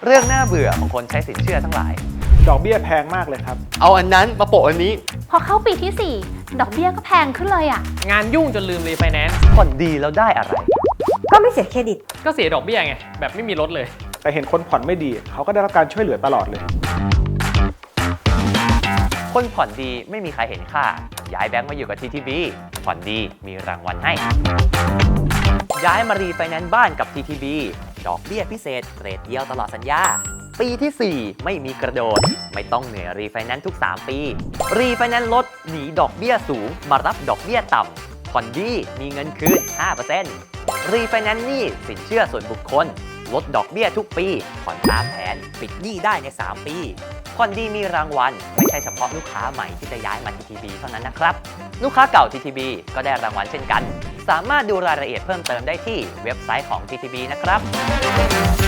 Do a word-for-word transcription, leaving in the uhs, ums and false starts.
เรื่องน่าเบื่อของคนใช้สินเชื่อทั้งหลายดอกเบี้ยแพงมากเลยครับเอาอันนั้นมาโปะอันนี้พอเข้าปีที่สี่ดอกเบี้ยก็แพงขึ้นเลยอ่ะงานยุ่งจนลืมรีไฟแนนซ์ผ่อนดีแล้วได้อะไรก็ไม่เสียเครดิตก็เสียดอกเบี้ยไงแบบไม่มีลดเลยแต่เห็นคนผ่อนไม่ดีเขาก็ได้รับการช่วยเหลือตลอดเลยคนผ่อนดีไม่มีใครเห็นค่าย้ายแบงค์มาอยู่กับ ที ที บี ผ่อนดีมีรางวัลให้ย้ายมารีไฟแนนซ์บ้านกับ ที ที บี ดอกเบี้ยพิเศษเรทเดียวตลอดสัญญาปีที่สี่ไม่มีกระโดดไม่ต้องเหนื่อยรีไฟแนนซ์ทุกสามปีรีไฟแนนซ์ลดหนีดอกเบี้ยสูงมารับดอกเบี้ยต่ำผ่อนดีมีเงินคืน ห้าเปอร์เซ็นต์ รีไฟแนนซ์หนี้สินเชื่อส่วนบุคคลลดดอกเบี้ยทุกปีผ่อนตามแผนปิดหนี้ได้ในสามปีผ่อนดีมีรางวัลไม่ใช่เฉพาะลูกค้าใหม่ที่จะย้ายมา ที ที บี เท่านั้นนะครับลูกค้าเก่า ที ที บี ก็ได้รางวัลเช่นกันสามารถดูรายละเอียดเพิ่มเติมได้ที่เว็บไซต์ของ ที ที บี นะครับ